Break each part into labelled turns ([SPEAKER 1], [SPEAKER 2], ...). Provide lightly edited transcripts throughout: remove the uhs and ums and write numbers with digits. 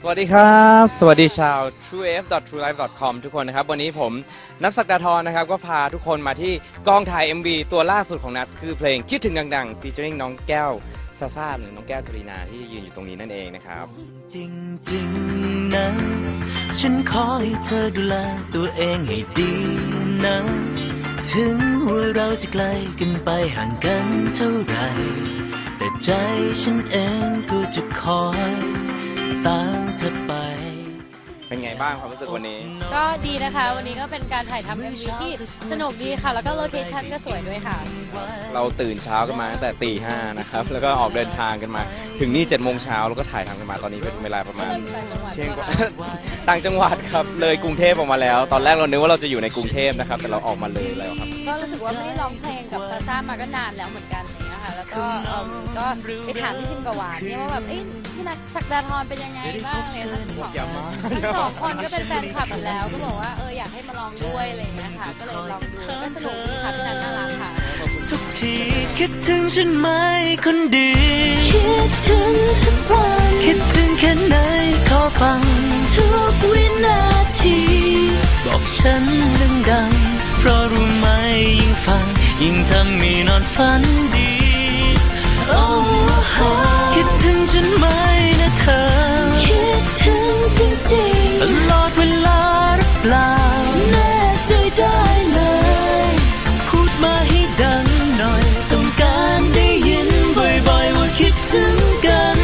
[SPEAKER 1] สวัสดีครับสวัสดีชาว truef.truelife.com ทุกคนนะครับวันนี้ผมนัท ศักดาธรนะครับก็พาทุกคนมาที่กองถ่าย MV ตัวล่าสุดของนัทคือเพลงคิดถึงดังๆ featuring น้องแก้วซาซ่าหรือน้องแก้วจรีนาที่ยืนอยู่ตรงนี้นั่นเองนะครับ
[SPEAKER 2] จริงๆนะฉันขอให้เธอดูแลตัวเองให้ดีนะถึงว่าเราจะไกลกันไปห่างกันเท่าไรแต่ใจฉันเองก็จะคอยตามเธอไป
[SPEAKER 1] เป็นไงบ้างความรู้สึกวันนี้
[SPEAKER 3] ก็ดีนะคะวันนี้ก็เป็นการถ่ายทำ MV ที่สนุกดีค่ะแล้วก็โลเคชั่นก็สวยด้วยค่ะ
[SPEAKER 1] เราตื่นเช้ากันมาตั้งแต่ตี 5นะครับแล้วก็ออกเดินทางกันมาถึงนี่7 โมงเช้าแล้วก็ถ่ายทำกันมาตอนนี้เป็นเวลาประมาณเที่ยงกว่าต่างจังหวัดครับเลยกรุงเทพออกมาแล้วตอนแรกเรานึกว่าเราจะอยู่ในกรุงเทพนะครับแต่เราออกมาเลยแล้วครับ
[SPEAKER 3] ก็รู้สึกว่าไม่ได้ร้องเพลงกับซาซ่ามาก็นานแล้วเหมือนกันอย่างเงี้ยค่ะแล้วก็ไปถามพี่พิมกับหวานเนี่ยว่าแบบพี่นัท ศักดาธรเป็นยังไงบ้างเนี่ยทั้งสองคนก็เป็นแฟนคลับอยู่แล้วก็บอกว่าอยากให้มาลองด้วยอะไรอย่างเงี้ยค่ะก็เลยลองดูก็สนุกดีค่ะพี่นัทน่ารักค่ะ
[SPEAKER 2] ทุกทีคิดถึงฉันไหมคนดี
[SPEAKER 3] คิดถึงทุกวัน
[SPEAKER 2] คิดถึงแค่ไหนขอฟัง
[SPEAKER 3] ทุกวินาที
[SPEAKER 2] บอกฉันดังๆเพราะรู้ไหมยิ่งฟังยิ่งทำให้นอนฝันดีโอ้โหคิดถึงฉันไหมนะเธอ
[SPEAKER 3] คิดถึงจริงๆ
[SPEAKER 2] ตลอดเวลาหรือเปล่า
[SPEAKER 3] แน่ใจได้เลย
[SPEAKER 2] พูดมาให้ดังหน่อยต้องการได้ยินบ่อยๆว่าคิดถึงกัน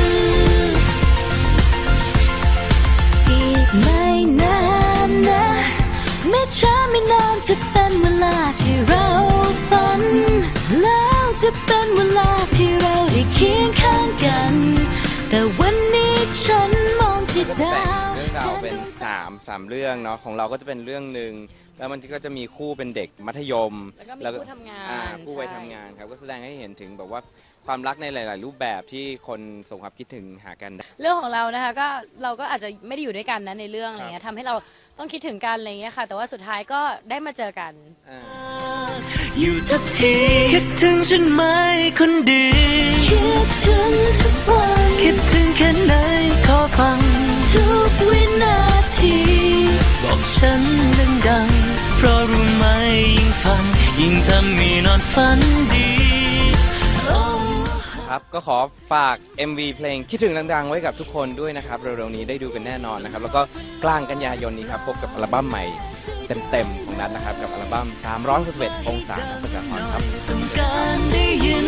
[SPEAKER 3] อีกไม่นานนะไม่ช้าไม่นานจะเป็นเวลาที่เราฝันแล้วจะเป็นเวลาที่เราได้เคียงข้างกันแต่วันนี้ฉันมองที่ดาว
[SPEAKER 1] เรื่องราวเป็นสามเรื่องเนาะของเราก็จะเป็นเรื่องหนึ่งแล้วมันก็จะมีคู่เป็นเด็กมัธยม
[SPEAKER 3] แล้วก็มีคู่ทำงาน
[SPEAKER 1] คู่วัยทำงานครับก็แสดงให้เห็นถึงแบบว่าความรักในหลายๆรูปแบบที่คนส่งความคิดถึงหากัน
[SPEAKER 3] เรื่องของเรานะคะก็เราก็อาจจะไม่ได้อยู่ด้วยกันนะในเรื่องอะไรเงี้ยทำให้เราต้องคิดถึงกันอะไรเงี้ยค่ะแต่ว่าสุดท้ายก็ได้มาเจอกัน
[SPEAKER 2] อยู่ทุกทีคิดถึงฉันไหมคนดี
[SPEAKER 3] คิดถึงทุกวัน
[SPEAKER 2] คิดถึงแค่ไหนขอฟัง
[SPEAKER 3] ทุกวินาที
[SPEAKER 2] บอกฉันดังๆเพราะรู้ไหมยิ่งฟังยิ่งทำให้นอนฝันดี
[SPEAKER 1] ครับก็ขอฝาก MV เพลงคิดถึงดังๆไว้กับทุกคนด้วยนะครับเร็วๆนี้ได้ดูกันแน่นอนนะครับแล้วก็กลางกันยายนนี้ครับพบกับอัลบั้มใหม่เต็มๆของนัทนะครับกับอัลบั้ม361 องศานัท ศักดาธรครับ